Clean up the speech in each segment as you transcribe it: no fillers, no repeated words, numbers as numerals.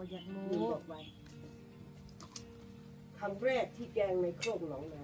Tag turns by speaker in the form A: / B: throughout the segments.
A: ก็อยาก
B: มี
A: รู้
B: บอกไว้ครั้งแรกที่แกงในโคกหนองนา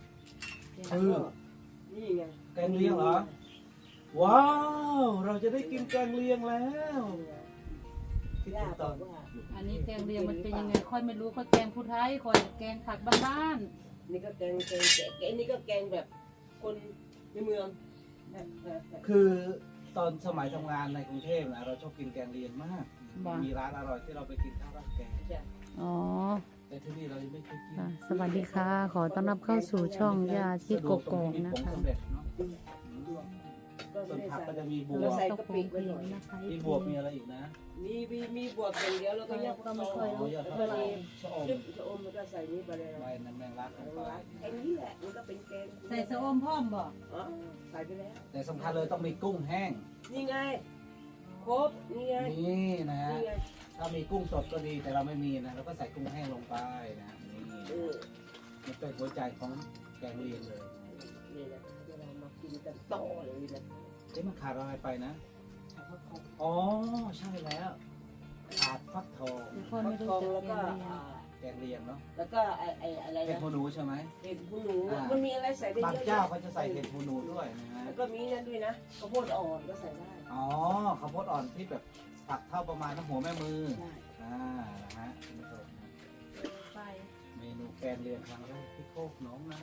B: นี่ไง
C: แกงเลียงเหรอว้าวเราจะได้กินแกงเลียงแล้วคิด
B: ย่า
C: ถึง
B: บ
C: ต
B: อ
C: อน
B: กว่า
A: อันนี้แกงเลียงมันเป็นยังไงค่อยไม่รู้ค่อยแกงผู้ไทยค่อยแกงผักบ้าน
B: นี่ก็แกงนี่ก็แกงแบบคนในเมือง
C: คือตอนสมัยทำงานในกรุงเทพนะเราชอบกินแกงเลียงมาก
A: ๆบ้า
C: มีร้านอร่อยที่เราไปกินข้าวราดแกง
A: อ๋อ
C: แต่ที่นี่เรายังไม่เคยกิน
A: ค่ะสวัสดีค่ะ ขอต้อนรับเข้าสู่ช่องยาชีโกโกงนะ
C: ผง
A: คะ
C: สำเร็จเนาะ
B: ก็
C: ส่วน
B: ไม่
C: ผัก
B: ได้
C: ก็จะมีบว
B: เรา
C: บ
B: ใส่กะปิไว้หน่อย
A: นะคะ
C: มีบวบมีอะไรอีกนะ
B: มีบวกอย่างเดียวแล้วก็ยักษ์
A: ก็ไม่ค่อย
C: โอ้ยอด
B: แล้ว
C: ผั
B: ก็
C: ก
B: มี
C: ชะอม
B: ซึ่งชะอมมันก็ใส่นี่ไปเลย
C: ใบน้ำแมงลักลงไป
B: ไอ้นี่แหละมันก็เป็นแกง
A: ใส่สะอมพร้อมบ่
B: อ๋อใส่ไปแล้ว
C: แต่สำคัญเลยต้องมีกุ้งแห้ง
B: นี่ไงครบนี่ไง
C: นี่นะฮะ
B: นี่ไง
C: ถ้ามีกุ้งสดก็ดีแต่เราไม่มีนะเราก็ใส่กุ้งแห้งลงไปนะนี่
B: เออ
C: มันเป็นหัวใจของแกงเลียงเลย
B: นี่นะเดี๋ยวเรามากินกันต่อเลยนะ
C: เอ๊ะมันขาดอะไรไปนะอ๋อใช่แล้วขาดฟักทอง
A: เดี๋ยวค่อย
B: ฟั
A: ไม่
B: ก
A: รู้
B: ทอง
A: จัก
B: แล้ว
A: แก
B: ก็
A: งเลียง
C: แกงเลียงเนาะ
B: แล้วก็ไอ้อะไร
C: เห็ด
B: นะ
C: หูหนูใช่ไหม
B: เห็ดหูหนูมันมีอะไรใส่ได้
C: บาง
B: เยอะ
C: เจ้าเขาจะใส่เห็ดหูหนูด้วยนะฮะ
B: แล้วก็มีนั่นด้วยนะข้าวโพดอ่อนก็ใส่ได้
C: อ๋อข้าวโพดอ่อนที่แบบฝักเท่าประมาณน้ำหัวแม่มือ
B: ใช่
C: นะฮะคุณผู้ชมนะ
A: ไป
C: เมนูแกงเลียงครั้งแรกที่โคกหน้องนา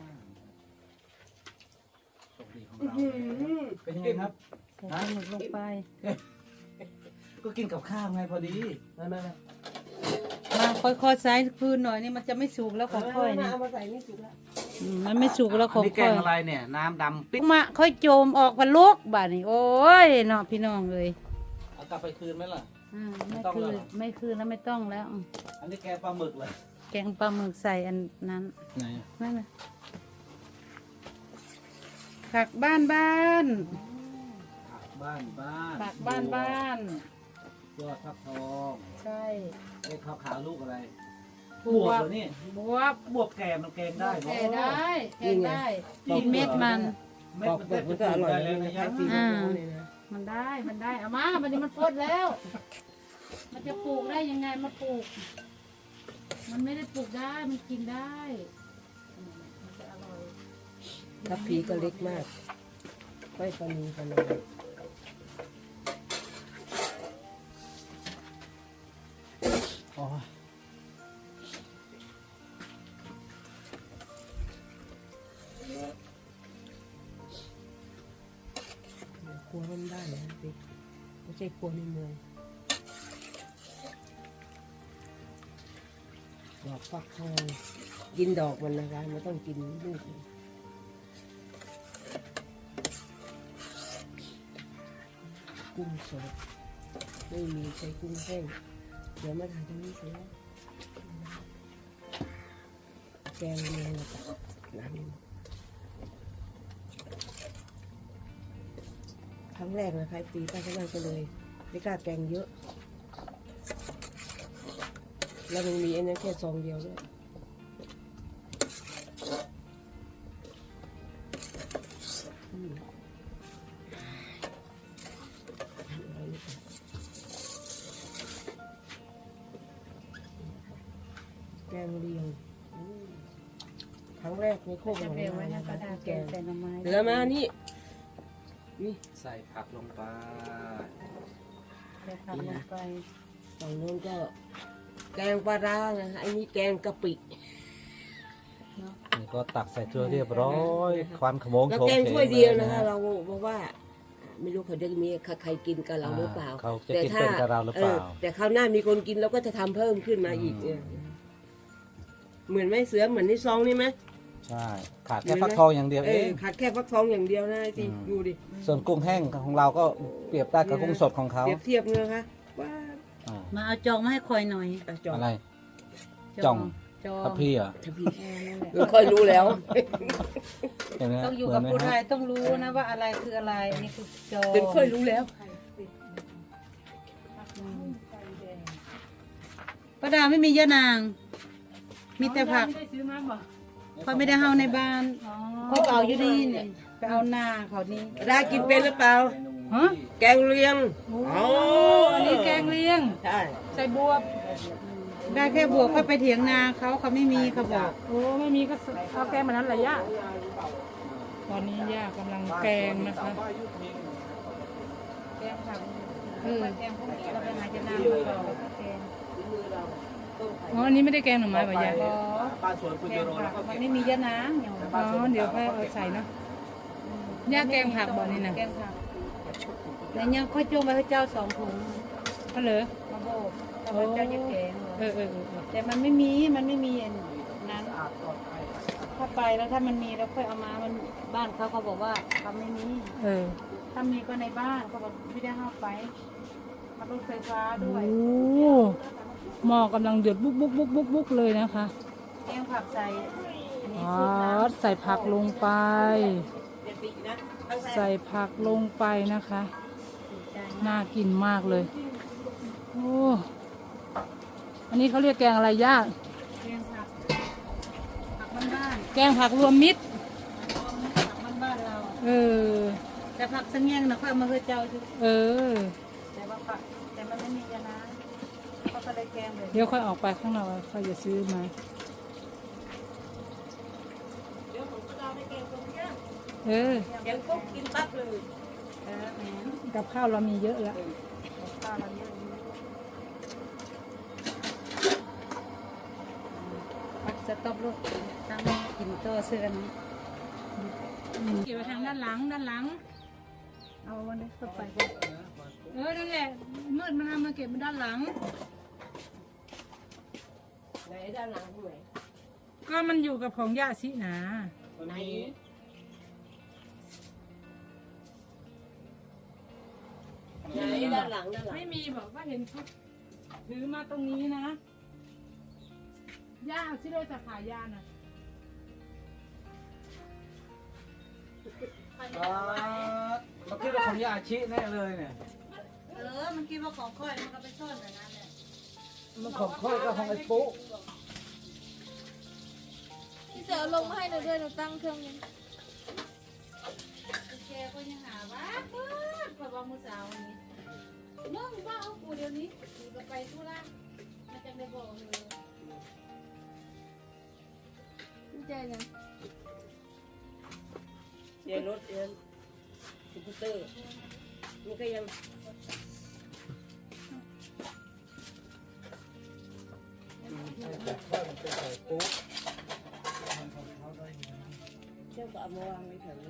C: โชคดีของเราเป็นยังไงครับ
A: ใส่ปลาหมึกลงไป
C: ก็กินกับข้าวไงพอดีนั่น
A: มาค่อยๆใส่พื้นหน่อยนี่มันจะไม่สุกแล้วของค่อยนี่
B: เอามาใส่นี่สุกแล้ว
A: มันไม่สุกแล้วของ
C: นี่แก
A: ค่อง ย
C: อะไรเนี่ย น้ำดำปิ๊ก
A: มาค่อยโจมออกพันลูกบ้านนี่โอ้ยเนาะพี่น้องเลย
C: เอากลับไปคืนไหมล่ะ
A: ไม่
C: ต้อง
A: คื
C: แล้ว
A: น
C: เหรอ
A: ไม่คืนแล้วไม่ต้องแล้ว
C: อันนี้แกงปลาหมึกเลย
A: แกงปลาหมึกใส่อันนั้น
C: ไหน
A: นั่นน่ะผักบ้าน
C: ผักบ้านบ้าน
A: ผักบ้าน
C: ยอดฟักทอง
A: ใช่
C: ไอ้ขาวๆลูกอะไร
A: บบ ว
C: ว
A: บบ
C: เหรอนี่
A: บวบบ
C: วบแกงมันแกงได้
A: แก
C: เนาะ
A: งได้แกงได้กินเม็ดมัน
C: เม็ดมันก็อร่อยเลยนะยาย
A: อ่า มันได้เอามาวันนี้มันฟดแล้ว มันจะปลูกได้ยังไงมาปลูก มันไม่ได้ปลูกได้มันกินได้มันจะอร่อย
B: ทับพีก็เล็กมากค่อยปนีปนอม
C: อ๋อ
B: ครัวมันได้นะพี่ไม่ใช่ครัวในเมืองดอกฟักทองกินดอกมันนะคะไม่ต้องกินลูกมันกุ้งสดไม่มีใช้กุ้งแห้งเดี๋ยวมาทานตรงนี้เสร็จแล้วแกงเลียงกับน้ำครั้งแรกนะคะปีป้าก็นั่งไปเลยไม่กล้าแกงเยอะ แล้วมันมีอันนั้นแค่ซองเดียวด้วยแกงเลียงครั้งแรกในโคกหน
A: จะ
B: อง
A: เร็วไว้
B: นา
A: นะ
B: นะ
A: ก
B: คะ
A: ระดาษ
B: ที่
A: แก
B: แก
A: ง
B: ง
A: ใส่หน่อไม้
B: เหลือมานี่
C: ใส่ผักลงไป
A: ใส่ผักลงไป
B: ฝั่งโน้นก็แกงปลาร้านะคะอันนี้แกงกะปิ
C: นี่ก็ตักใส่ถ้วยเรียบร้อยควันขโมง
B: แล้ว
C: โชง
B: แกง
C: เฉ
B: ถ้วย
C: ง
B: เดียว
C: ล
B: นะคะ เราบอกว่า ไม่รู้เขาจะมีใครกินกับเราหรือเปล่า
C: เขาจะกินเป็นกับเราหรือเปล่า
B: แต่คราวหน้ามีคนกินเราก็จะทำเพิ่มขึ้นมาอีกเนี่ยเหมือนไม่เสือเหมือนในซองนี่ไหม
C: ใช่ ขาดแค่ฟักทองอย่างเดียวเอง
B: ขาดแค่ฟักทองอย่างเดียวนะสิ
C: อืม
B: ดูดิ
C: ส่วนกุ้งแห้งของเราก็เปรียบได้กับกุ้งสดของเขา
B: เปรียบเทียบเลยนะคะว่า
C: อ่า
A: มาเอาจองมาให้คอยหน่อย
B: จอ
C: อะไร จ่อง
A: จอง
C: ทับพี่เหรอ่ะ
B: ถ้าพี่
A: นั่นแหละ
B: เราค่อยรู้แล้ว
C: เห็นไหม
A: ต้องอยู่กับ
C: เหมื
A: ผู้
C: นไหม
A: ไท
C: ฮะ
A: ยต้องรู้นะว่าอะไรคืออะไรอันนี้คือจอง
B: เป็นค่อยรู้แล้ว
A: ป้าดาไม่มียะนาง มีแต่ผัก
D: ไม่ได้ซื้อมาบ่
A: เขาไม่ได้เฮาในบ้านเขาเอาอยู่นี่เนี่ยไปเอาหน้าเขานี่
B: ได้กินเป็นหรือเปล่า
A: ฮะ
B: แกงเลียง
A: โอ้อันนี้แกงเลียง
B: ใช่
A: ใส่บวบได้แค่บวกค่อยไปเถียงนาเขาไม่มีเขาบอก
D: โอ้ไม่มีก็เอาแกงมานั้นแหละย่าตอนนี้ย่ากำลังแกงนะคะ
A: แกงผัก
D: เออ
A: แกงพวกนี้เราไปหาจะนามาต่อแกง
D: อ๋ออันนี้ไม่ได้แกงหน่อไม้ป่ะย่า
C: บ้านสวนคุณ
A: แก
C: ยู
A: ง
C: โร
A: ผั
C: แล้ว
A: ก
C: ก็
A: มันไม่มียะนางอย่าง
D: อ๋อเดี๋ยวค่อยเอาใส่เนาะย่าแกงผักบ่นี่นะ
A: แกงผักแล้วยังค่อยจุ่มไปให้เจ้า2 ถุง
D: ก็เหรอ
A: มาโบกเอาไปเจ้าจะแกง
D: เออ
A: แต่มันไม่มีอันนั้นถ้าไปแล้วถ้ามันมีเราค่อยเอามามันบ้านเขาบอกว่าเขาไม่มี
D: เออ
A: ถ้ามีก็ในบ้านเขาบอกไม่ได้เข้าไปมารถไฟฟ้าด้วย
D: โอ้หม้อกำลังเดือดบุกเลยนะคะ
A: แกงผักใส่อันนี้
D: อ๋อ
A: ซุปน้ำ
D: ใส่ผักลงไป ใส่ผักลงไปนะคะ น่ากินมากเลย โอ้ อันนี้เขาเรียกแกงอะไรย่า
A: แกงผักบ้าน
D: แกงผักรวมมิตร
A: ๆผักบ้านๆเรา
D: เออ
A: แต่ผักสังเงียงนะค่อยเอามาให้เจ้าชุ
D: เออ
A: แต่ว่าผักแต่มันไม่มียานะเขาก็เลยแกงเลย
D: เดี๋ยวค่อยออกไปข้างนอกค่อยจะซื้อมาเออ
B: เดี๋ยวก็กินปั๊บเลย
A: แหม
D: กับข้าวเรามีเยอะแล้ว
A: ข้าวเราเยอะอยู่ผักจะตบลูกตั้งกินต่อเสื้อกัน
D: เก็บไว้ทางด้านหลัง
A: เอาวันนี้เข้าไป
D: นั่นแหละ มืดมันเอามาเก็บมาด้านหลัง
B: ไหนด้านหลังตรงไหน
D: ก็มันอยู่กับของย่าสินะ
C: มันมี
B: ไหนด้านหลัง
D: ไม่มีบอกว่าเห็นเขาถือมาตรงนี้นะ ย่าเอาที่เลยจะขายยาน่ะ
C: มันคิดว่าของยาอาชิแน่เลยเนี่ย
A: มันคิดว่าของค่อยมันก็ไปซ่อนแบบนั้นแหละ
C: มันของค่อยก็ของไอ้ปุ๊
E: พี่เสือเอาลงมาให้หนูด้วยหนูตั้งเครื่องนี้
A: โอเคก็ยังหาว่าเปิดพอบอกมือสาวนี้มึงว่าเอากูเดี๋ยวนี้กูก็ไปทุระมาจังได้บอกเลย
E: ดีใจนะ
B: เดี๋ยวรถเดินสกูตเตอร์มันก็ยัง
C: แบบค่อยมันเป็นใส่ปุ๊
B: เจ้าก็เอามาวางไว้แถวนี้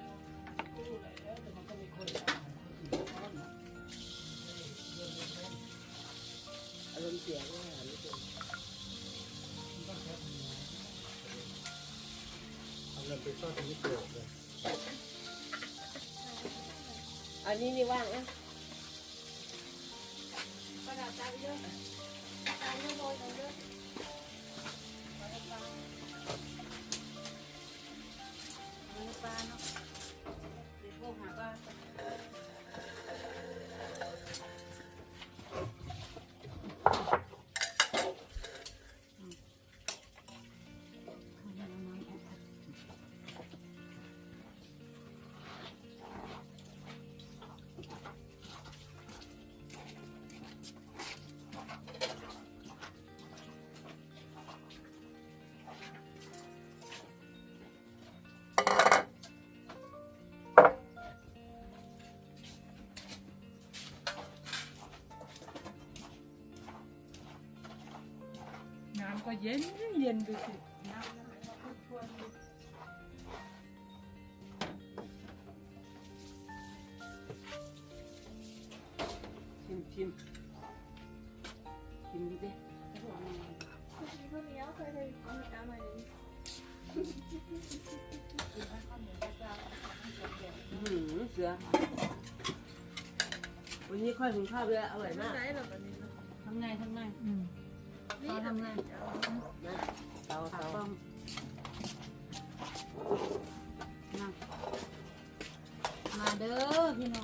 B: อารมณ์เสียงไม่หาไม่เจอ
C: เอาเงินไปซ่อนตรงนี้โกรธเลย
B: อันนี้นี่ว่างนะ
A: ประดับตาไปเยอะตาเยอะโรยเยอะปลาเนาะเดี๋ยวพวกหาปลา
D: น้ำก็เย็นดูสิ
B: ชิมดูดิ
E: พวกนี้เอาเคยเอามาเอามาเลย
B: เสือวันนี้ค่อยหุงข้าวเลยอร่อยมาก
E: ได้หรอแบบนี้
A: ทำไง
D: อืม
A: เขาทำไง
B: นะเตา
A: ป้อมมาเด้อพี่น้อง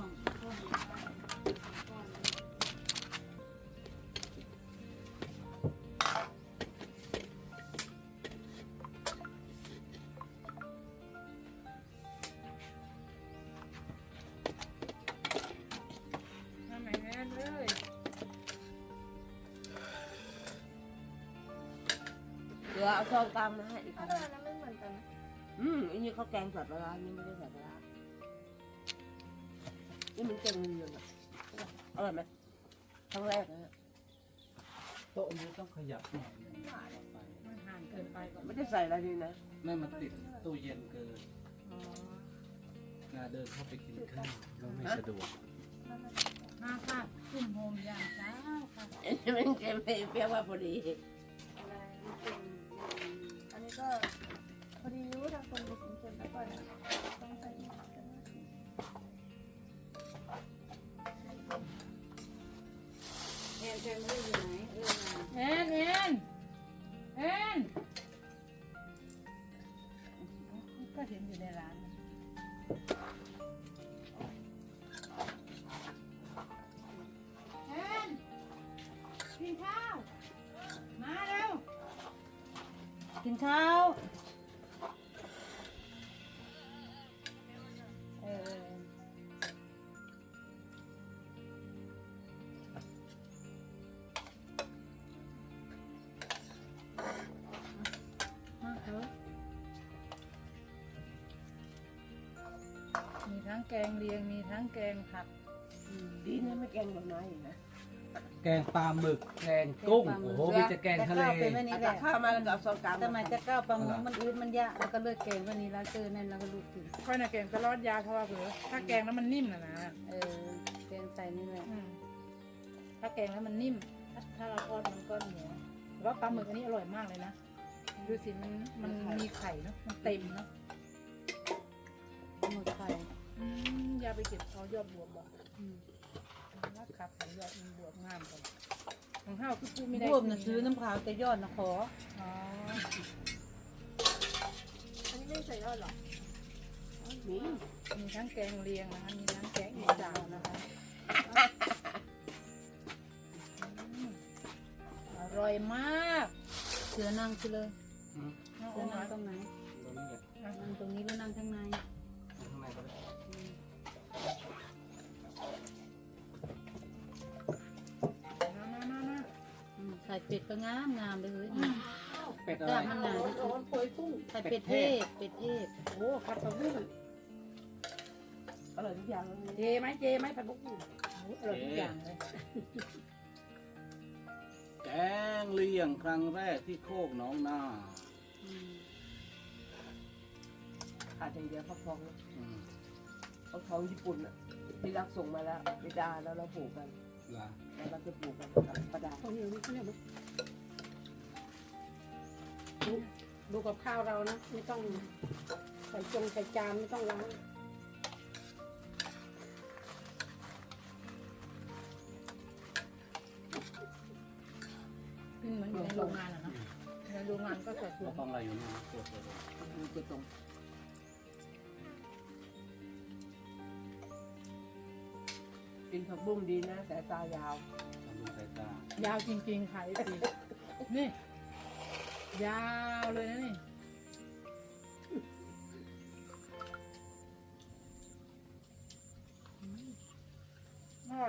D: ทำไหนแม่เลย
B: อเอาซองตามมาให้อีก
E: ถ้าแต่อันนั้นไม่เหมือนกันนะ
B: อันนี้เขาแกงใส่ปลาร้านี่ไม่ได้ใส่ปลาร้านี่มันแกงเลียงอ่ะอร่อยไหมครั้งแรกนะ
C: โต๊ะนี้ต้องขยับหน่อยนึง
A: มันห่างเกินไปก่อน
B: ไม่ได้ใส่อะไรเลยนะ
C: ไม่มันติดตู้เย็นเกิน
A: อ๋อ
C: เดินเข้าไปกินข้าวก็ไม่สะดวก
A: ห้าค่ะขึ้นโฮมอย่างเช้าค่ะ
B: อันนี้มันเค็มเปรี้ยวว่าพอดี
E: อะไรมันเป็นอันนี้ก็พอดีรู้ทางคนไปกินเค็มแล้วก่อนนะต้องใส่หอมกันนะ
A: แอนแฟมิลี่อยู่ไหนแอนก็เห็นอยู่ในร้านแอนกินข้าวมาเร็วกินข้าวมาเถอะมีทั้งแกงเลียงมีทั้งแกงผัด
B: ดีนะไม่แกงดอกไม้อีกนะ
C: แกงปลาหมึกแกงกุ้งโอ้โหมีแต่แกงทะเล
A: เป็นแบบนี้
B: เอา
A: แห
B: ตั
A: ละ
B: กข้าวมาแล้วก็เอาซองกลาง
A: ทำไมจะก้าวปลาหมึกมันอืดมันยากแล้วก็เลือกแกงวันนี้แล้วเจอนั่นแล้วก็ลูกกิน
D: ค่อยน่ะแกงตลอดยาเพราะว่าเผื่อถ้าแกงแล้วมันนิ่มนะ
A: แกงใส่นี่แหละ
D: ถ้าแกงแล้วมันนิ่ม ถ้าเราทอดมันก็เหนียวแต่ว่าปลาหมึกอันนี้อร่อยมากเลยนะดูสิมันมีไข่เนาะมันเต็มเนาะ
A: หมึกไข่
D: อย่าไปเก็บเอายอดบวบบอกนะครับเอายอดมันบวบงามก่อนของข้าวคือพูดไม่ได้
A: รวมนะซื้อน้ำขาวแต่ยอดนะขอ
D: อ๋อ
E: อันนี้ไม่ใส่ยอดหรอ
B: นี่
D: มีทั้งแกงเลียงนะคะมีทั้งแกงอีสานนะคะอร่อยมาก
A: เสือนั่งสิเลย
C: อืม
D: เอา
A: เสือ
D: เอา
A: นั่งตรงไหน
C: ตรงนี้แหละ
A: นั่งตรงนี้หรือนั่งข้างใน
C: ข้างในก็ได้
D: มา
A: ใส่เป็ดก็งามเลยเฮ้ย
C: เป็ดอะ
A: ก
C: ไร
A: ล้ามันหนาที่สุด
B: โอยกุ้ง
A: ใส่เป็ดเทศเป็ดเทศ
B: โอ้ผัดผักบุ้งอร่อยทุกอย่างเลย
D: เจไหมผัดบุกอร่อยทุกอย่างเลย
C: แกงเลียงครั้งแรกที่โคกหนองนา
B: ขาดอย่างเดียวฟักทองนะ
C: อืม
B: ฟักทองญี่ปุ่นอ่ะที่รักส่งมาแล้วไปดาแล้วเราปลูกกัน
C: ล่ะ
B: แล้วเราจะปลูกกันประดา
F: ข้าวเหนียวนี่ข้าวเหนียวไหมดูกับข้าวเรานะ ไม่ต้องใส่จงใส่จานไม่ต้องล้าง
D: เหมือนอยู่ในโรงงานอะเนาะในโรงงานก็สัดส่ว
C: เรา
D: น
C: ต้องอะไรอยู่นี่ตัวเดียว
B: ดูจะตรงกินผักบุ้งดีนะแต่ตายาว
C: ทำดูสายตาย
D: าวจริงๆค่ะไอ้สินี่ยาวเลยนะนี่อร่อย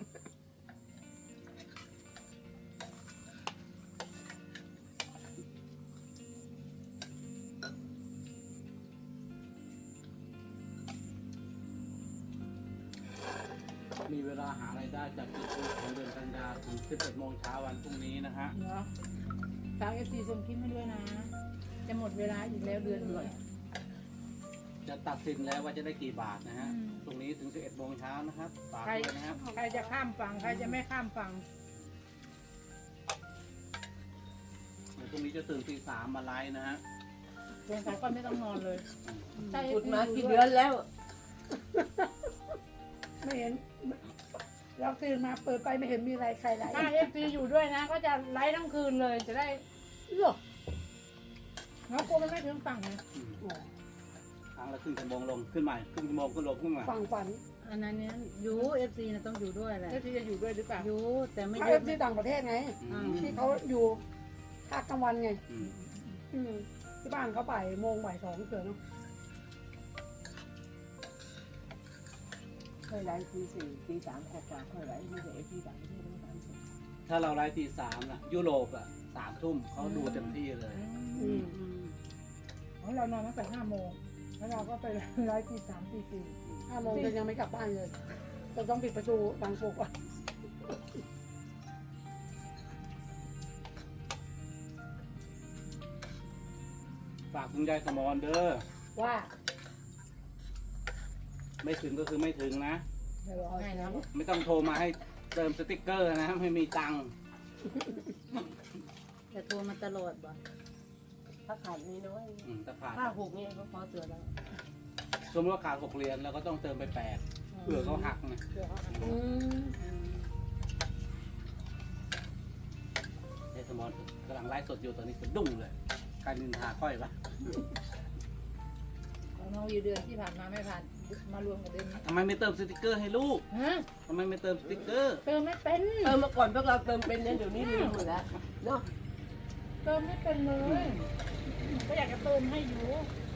C: มีเวลาหารายได้จากจุดสูงของเดือนกันยาถึง 11 โมงเช้าวันพรุ่งนี้นะฮะ
D: เนาะฝากFC ส่งคลิปมาด้วยนะ จะหมดเวลาอีกแล้วเดือนนี้
C: จะตัดสินแล้วว่าจะได้กี่บาทนะฮะ
D: อืม
C: ตรงนี้ถึง 11 โมงเช้านะครับฝาก
D: ใคร
C: ด้วยนะครับ
D: ใครจะข้ามฝั่งใครจะไม่ข้ามฝั่ง
C: เดี๋ยวพรุ่งนี้จะตื่นตี 3มาไลฟ์นะฮะ
D: สงสัยก็ไม่ต้องนอนเลยใช่
B: พูดมากี่เดือนแล้ว
F: ไม่เห็น เราตื่นมาเปิดไปไม่เห็นมีอะไรใครไหล
D: ถ้า FC อยู่ด้วยนะ ก็จะไลฟ์ทั้งคืนเลยจะได้
F: หรอ
D: เนาะกลัวมันไม่ถึงฝั่งไง
C: ครั้งละครึ่งชั่วโมงลงขึ้นใหม่ครึ่งชั่วโมงขึ้นลงขึ้นมา
F: ฝั่งฝัน
A: อันนั้นเนี่ยอยู่เอฟซีนะต้องอยู่ด้วยแหละ
D: FC จะอยู่ด้วยหรือเปล่า
A: อยู่แต่ไม่
F: เขา
A: เย
F: เอ
A: อะ
F: ฟซีต่างประเทศไง
C: อืม
F: ที่เขาอยู่ภาคกลางวันไง
C: อืม
F: ที่บ้านเขา1:00 2:00เกิดเนาะ
B: เคยไลฟ์ตี 4 ตี 3กว่าเคยไลฟ์ไม่ได้ที่ต่างประเทศไม่ทำ
C: ถ้าเราไลฟ์ตี 3น่ะยุโรปอ่ะ 3 ทุ่มเขาดูเต็มที่เลย
F: อืม
D: ของเรานอนตั้งแต่5 โมงแล้วเราก็ไปไลฟ์ที่3 ตี 4
F: 5 โมงจะยังไม่กลับบ้านเลยจะต้องปิดประตูบางปลุกอ่ะ
C: ฝากคุณยายสมรเด้อ
F: ว่า
C: ไม่ถึงก็คือไม่ถึงนะ
D: เดี๋ยวเอาให้นะ
C: ไม่ต้องโทรมาให้เติมสติ๊กเกอร์นะ ไม่มีตังค์
A: จะโทรมาตลอดบ่
B: ถ้าขาดนี้น้อย
C: ถ้าขาด
B: ค่าหกเนี่ยก็พอเสือแล้ว
C: สมมติว่าขาด6 เหรียญแล้วก็ต้องเติมไป8เผื่อเขาหักนะ
F: อืม
C: ยายสมรกำลังไลฟ์สดอยู่ตอนนี้สะดุ้งเลยการนินทาค่อยวะ
D: ของน้องอยู่เดือนที่ผ่านมาไม่ผ่านมารวมกับเดือนนี้
C: ทำไมไม่เติมสติ๊กเกอร์ให้ลูก
D: ฮะ
C: ทำไมไม่เติมสติ๊กเกอร์
D: เติมไม่เป็น
B: เมื่อก่อนพวกเราเติมเป็นเนี่ยเดี๋ยวนี้ลืมหมดแล้วเนาะ
D: เติมไม่เป็นเลยก็อยากจะเติมให้อยู่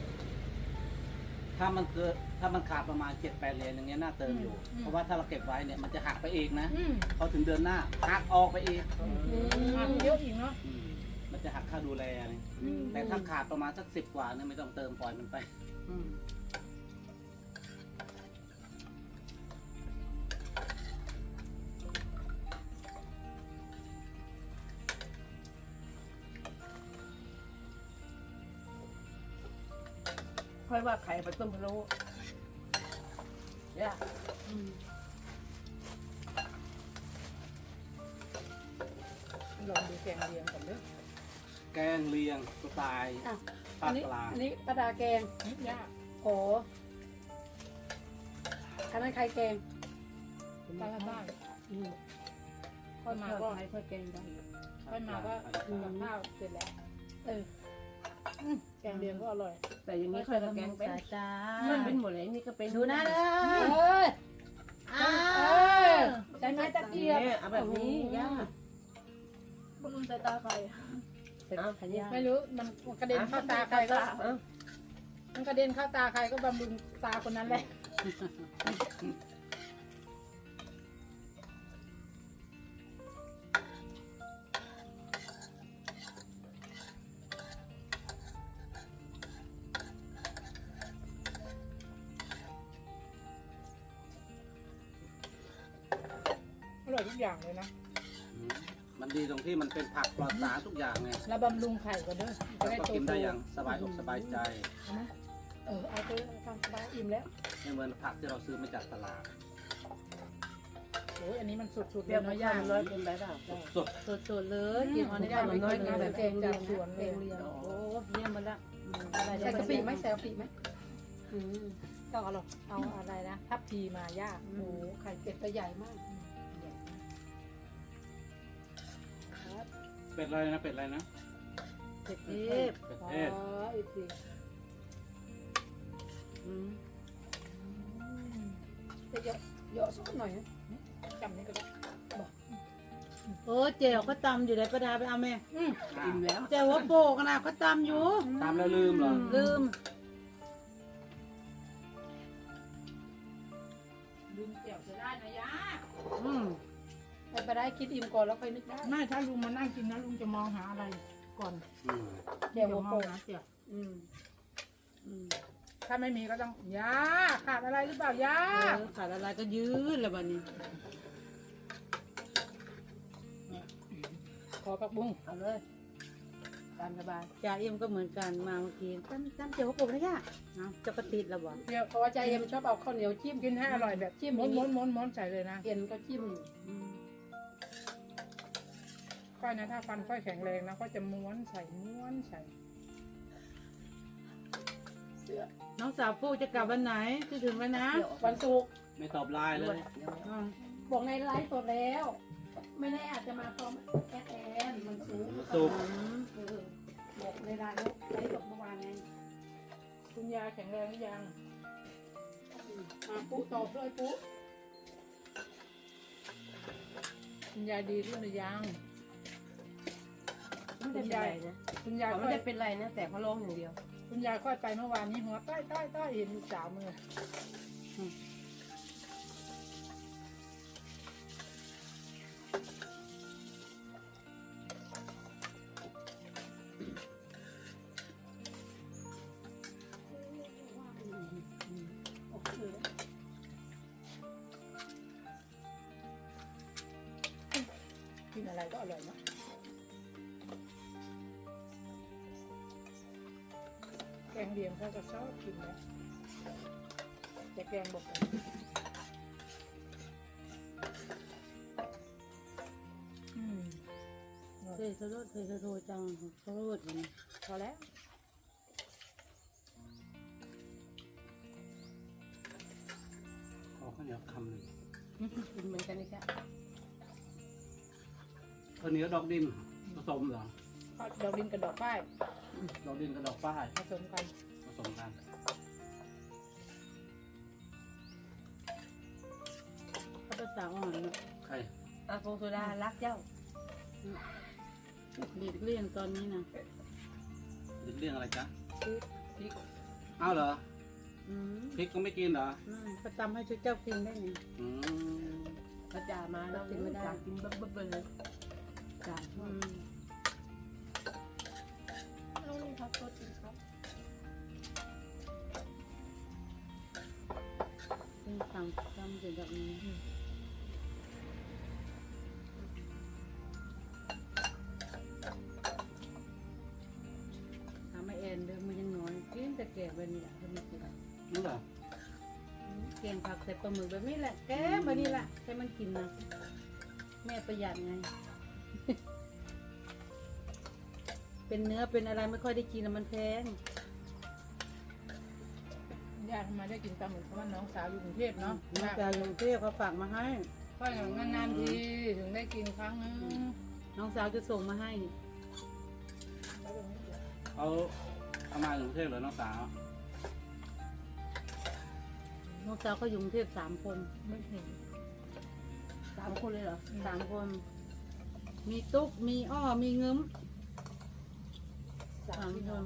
C: ถ้ามันขาดประมาณ7-8 เหรียญอย่างเงี้ยน่าเติมอยู่ เพราะว่าถ้าเราเก็บไว้เนี่ยมันจะหักไปเองนะ
D: อืม
C: พอถึงเดือนหน้าหักออกไปอีก
D: หักเยอะอีกเนาะ
C: มันจะหักค่าดูแลนี่แต่ถ้าขาดประมาณสัก10 กว่าเนี่ยไม่ต้องเติมปล่อยมันไป
B: ค่อยว่าไข่ไปต้มพะโล้ย่า
D: ลองดูแกงเลียงก่อนเด้อ
C: แกงเลียงสไตล์
F: อ่ะ
C: ภา
F: อั
C: คน
F: นี้
C: กลาง
F: อันนี้ปลาดาแกง
D: ยาก
F: โอ้อันนั้นใครแกง
D: ปลาบ้าน
F: อืม
D: ค่อยมาก็
B: ไข่ค่อยแกงได้
D: ค่อยมาก็กับข้าวเสร็จแล้ว
F: เออ
D: แกงเลียงก็อร่อย
B: แต่อย่างนี้ค่อยก็แกงเป็น
A: สายตา
B: มันเป็นหมดเลยนี่ก็เป็น
A: ดูนะเด้อ
F: เอ้ย
A: อ้าว
F: ใช้ไม้ตะเกียบ
B: เนี่ยเอาแบบนี้ย่า
E: บำรุงสายตาใคร
B: เอาขันยา
D: ไม่รู้มันกระเด็นเข้าตาใครก็
B: เอา
D: มันกระเด็นเข้าตาใครก็บำรุงตาคนนั้นแหละ อร่อยทุกอย่างเลยนะ
C: มันดีตรงที่มันเป็นผักปลอดสารทุกอย่างไง
D: แล้วบำรุงไข่ก็เด้อจะ
C: แล้ว
D: ได้
C: ก็
D: โต
C: กิน
D: ๆ
C: ได้อย่างสบายอกสบายใจ
D: เอาไหมเอาไปทำสบายอิ่มแล้ว
C: ไม่เหมือนผักที่เราซื้อมาจากตลาด
D: โอ้ยอันนี้มันสุดๆ
B: เป
D: เล
B: รี้ยวย
D: เนาะ
B: น้
D: ย่า
B: น้อยเกินไปเปล่า
C: สด
A: สดๆเลยกินอันนี้ได้
D: มันน้อยกินแต่แกงจากสวนเลย
A: โอ้เยี่ยมมาละอะไร
F: ใส่กะปิไหมใส่กะปิไหม
D: อืมต้องเอาหรอกเอาอะไรนะทับพีมาย่า
F: โอ้โหไข่เป็ดตัวใหญ่มาก
C: เป็ดอะไรนะเป็ดอะไรนะ
A: เผ็ดเทพ
C: เป็ด
F: อ๋อ
C: เทศ
F: อีกที จะเยอะสักหน่อยนะ
D: จำนี่ก็ได้
A: โอ้เจลก็ตำอยู่ไหนประดาไปเอาแม่
B: อิ่มแล้ว
A: เจลว่าโปกนะก็ตำอยู่
C: ตามแล้วลืมเหรอ
A: ลืม
D: ลืมเกี่ยวจะได้นะย่า
F: ไปได้คิดอิ่มก่อนแล้วค่อยนึกได้
D: ไม่ถ้าลุงมานั่งกินนะลุงจะมองหาอะไรก่อน
C: อืม
F: เดี๋ยว
D: ม
F: หั
D: อ
F: ว
D: ง
F: โปก
D: หาเกี่ยว
F: อืมอืม
D: ถ้าไม่มีก็ต้องย่าขาดอะไรหรือเปล่าย่า
A: ขาดอะไรก็ยืดแล้วบัดนี้
D: ขอผักบุ้ง
B: เอาเลยตามสบาย
A: จ่าเอ็มก็เหมือนกันมาเมื่อกี้จำเจลว่าโปกนะย่าเอาจะกระติดแล้วบ่
D: เดี๋ยว
F: เพราะว่าใจเอ็มชอบเอาข้าวเหนียวจิ้ม
D: กินให้อร่อยแบบจิ้มม้วนใส่เลยนะ
F: เอ็นก็จิ้ม
D: ค่อยนะถ้าฟันค่อยแข็งแรงนะก็จะม้วนใส่
A: น้องสาวปูจะกลับวันไหนคิดถึงแล้วนะ
F: วันศุกร์
C: ไม่ตอบไลน์เลย
A: อืม
F: บอกในไลฟ์สดแล้ว ไม่แน่อาจจะมาพร้อมแอดแอนมันศุกร์
C: สุก
F: เออบอกในไลฟ์แล้วไลฟ์สดเมื่อวานไง
D: คุณยายแข็งแรงหรือยัง
F: ปุ๊ตอบด้วยปุ๊
D: คุณยายดีขึ้นหรือยัง
B: ไม่ได้เป็นไรนะ
D: คุณยาย
B: เขา
D: ค่
B: ไม่
D: อย
B: ได้เป็นไรนะ แต่เขาร้องอย่างเดียว
D: คุณยายค่อยไปเมื่อวานนี้หัวต้อยเห็นลูกสาวมือ
F: กินอะไรก็อร่อยเนาะแกงเลียงเขาก็ชอบกินนะแต่แกงบอกอืม
A: เทสโรดเทสโรจังสโรดอย่างนี้
F: พอแล้ว
C: ขอข้าวเหนียวคำหนึ่ง
F: กินเหมือนกันนี่แค่
C: ข้าวเหนียวดอกดินผสมเหรอ
F: ดอกดินกับดอกฝ้าย
C: ดอกดินกับดอกป้าย
F: ผสมกัน
C: ผสมกัน
A: เขาภาษาอ่อนเนาะ
C: ใคร
B: อาโฟโซดารักเจ้า
A: หลีกเลี่ยงตอนนี้นะ
C: เรื่องอะไรจ๊ะ
B: พริก
C: อ้าวเหรอ
A: อืม
C: พริกก็ไม่กินเหรอ
A: ประจำให้ชุดเจ้ากินได้ไง
C: อืม
B: พระจ่ามาแล้วกินไม่ได้กินเบิ้ลเลยจ่า
A: อืม
E: ต้องมีพักตัวจริงครับ
A: เป็นสั่งทำถึงแบบนี้ถามมาแอนเดิมมันยังน้อยกินแต่แก่แบบนี้แหละคนนี้กิน
C: นี่เหรอ
A: เกียงผักใส่ปลาหมึกแบบนี้แหละแกแบบนี้แหละให้มันกินนะแม่ประหยัดไง เป็นเนื้อเป็นอะไรไม่ค่อยได้กินแล้วมันแพง
F: ญาติทำไมได้กินปลาหมึกเพราะว่าน้องสาวอยู่กรุงเทพเนาะ
A: น้องจาอยู่กรุงเทพเขาฝากมาให้
F: ค่อยนานๆทีถึงได้กินครั้งนึง
A: น้องสาวจะส่งมาให้
C: เอามาจากกรุงเทพเหรอน้องสาว
A: น้องสาวเขาอยู่กรุงเทพ3 คน
F: ไม่เห็น
B: 3 คนเลยเหรอ
A: 3 คน มีตุ๊กมีอ้อมีเงิม
F: สา
A: สาม ม
F: พี่
A: ค
F: น้อง
A: น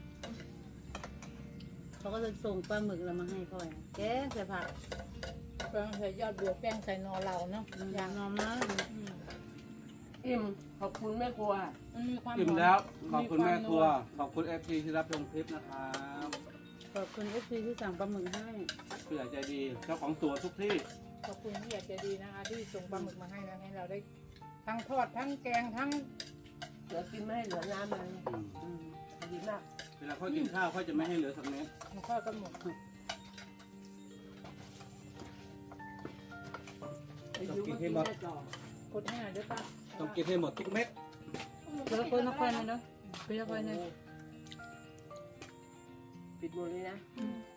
A: เขาก็จะส่งปลาหมึกเรามาให้พ่อยแกงใส่ผัก
F: แกงใส่ยอดบัวแกงใส่นอเราเนาะ
A: อย่างนอมนะ
B: อิ่มขอบคุณแม่ครัว
F: มันมีความ
C: อิ่ม
F: หอ
C: แล้ว ขอบคุณแม่ครัว ขอบคุณเอฟซีที่รับชมคลิปนะครับ
A: ขอบคุณFCที่สั่งปลาหมึกให้
C: ผู้ใหญ่ใจดี เจ้าของสวนทุกที่
F: ขอบคุณที่อยากจะดีนะคะที่ส่งปลาหมึกมาให้นะให้เราได้ทั้งทอดทั้งแกงทั้ง
B: เหลือกินไม่ให้เหลือน้ำเลย
C: อืม
B: ดีมาก
C: เวลาค่อยกินข้าวค่อยจะไม่ให้เหลือสักเม็ด
F: ทอดกันหมด
B: อยู่มากินได้ต่อก
F: ดให้หน่อยด้วยป้า
C: ต้องกินให้หมดทุกเม็ด
A: เดี๋ยวคนละคนนะเนาะเป็นละคนนะ
B: ปิดหมดเลยนะ
F: อืม